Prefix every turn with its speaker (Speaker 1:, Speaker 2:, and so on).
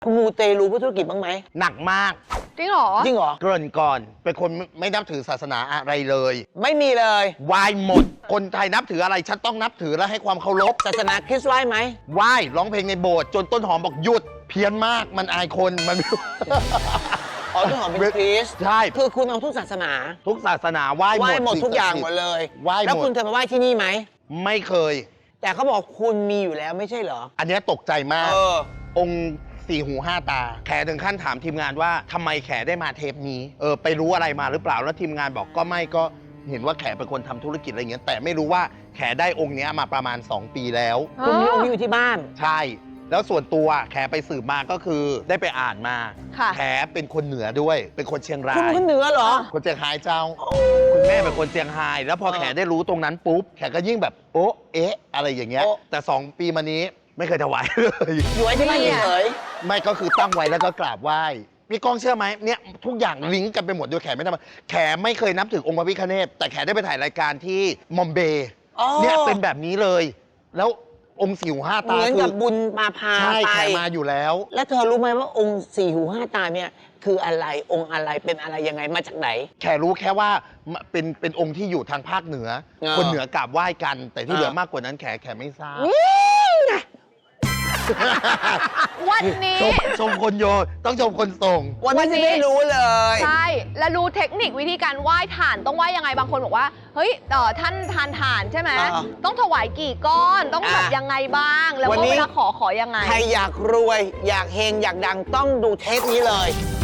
Speaker 1: คุณมูเตลูเพื่อธุรกิจบ้างไหม
Speaker 2: หนักมาก
Speaker 3: จริงเหรอ
Speaker 1: จริงเหรอ
Speaker 2: เกริ่นก่อนเป็นคนไม่นับถือศาสนาอะไรเลย
Speaker 1: ไม่มีเลย
Speaker 2: ไหว้หมดคนไทยนับถืออะไรฉันต้องนับถือและให้ความเคารพ
Speaker 1: ศาสนาคริสต์ไหว้ไหม
Speaker 2: ไหว้ร้องเพลงในโบสถ์จนต้นหอมบอกหยุดเพี้ยนมากมันอายคนมันไม่รู้
Speaker 1: อ๋อต้นหอมเป็นคริสต์
Speaker 2: ใช่
Speaker 1: คือคุณเอาทุกศาสนา
Speaker 2: ทุกศาสนาไหว้
Speaker 1: หมดทุกอย่างหมดเลย
Speaker 2: ไหว้หมด
Speaker 1: แล้วคุณเคยมาไหว้ที่นี่ไหม
Speaker 2: ไม่เคย
Speaker 1: แต่เขาบอกคุณมีอยู่แล้วไม่ใช่เหรอ
Speaker 2: อันนี้ตกใจมากองค์4 หู 5 ตาแขถึงขั้นถามทีมงานว่าทำไมแขได้มาเทปนี้ไปรู้อะไรมาหรือเปล่าแล้วทีมงานบอกก็ไม่ก็เห็นว่าแขเป็นคนทำธุรกิจอะไรเงี้ยแต่ไม่รู้ว่าแขได้องค์นี้มาประมาณ2 ปีแล้ว
Speaker 1: คุณมีองค์นี้อยู่ที่บ้าน
Speaker 2: ใช่แล้วส่วนตัวแขไปสืบมาก็คือได้ไปอ่านมาแขเป็นคนเหนือด้วยเป็นคนเชียงราย
Speaker 1: คุณเป็นคนเหนือเหรอ
Speaker 2: คนเชียงรายเจ้าคุณแม่เป็นคนเชียงรายแล้วพอแขได้รู้ตรงนั้นปุ๊บแขก็ยิ่งแบบโอ๊ะเอ๊ะอะไรอย่างเงี้ยแต่2 ปีมานี้ไม่เคยถวายเลย
Speaker 1: อยู่ไว้ที่บ้านเฉย
Speaker 2: ไม่ก็คือตั้งไว้แล้วก็กราบไหว้พี่ก้องเชื่อไหมเนี่ยทุกอย่างลิงก์กันไปหมดโดยแขไม่ทำแขไม่เคยนับถือองค์พระพิฆเนศแต่แขได้ไปถ่ายรายการที่มอมเบย์เนี่ยเป็นแบบนี้เลยแล้วองค์4 หู 5 ตา
Speaker 1: เหมือนกับบุญมาพา
Speaker 2: ใช่
Speaker 1: ไป
Speaker 2: แขมาอยู่แล้ว
Speaker 1: แล้วเธอรู้ไหมว่าองค์4 หู 5 ตาเนี่ยคืออะไรองค์อะไรเป็นอะไรยังไงมาจากไหน
Speaker 2: แขรู้แค่ว่าเป็นองค์ที่อยู่ทางภาคเหนือคนเหนือกราบไหว้กันแต่ที่เหลือมากกว่านั้นแขไม่ทราบ
Speaker 3: วันนี้
Speaker 2: ชมคนโยต้องชมคนส่ง
Speaker 1: วันนี้ไม่รู้เลย
Speaker 3: ใช่แล้วรู้เทคนิควิธีการไหว้ถ่านต้องไหว้ยังไงบางคนบอกว่าเฮ้ยท่านทานถ่านใช่ไหมต้องถวายกี่ก้อนต้องแบบยังไงบ้างแล้วเวลาขอยังไง
Speaker 1: ใครอยากรวยอยากเฮงอยากดังต้องดูเทปนี้เลย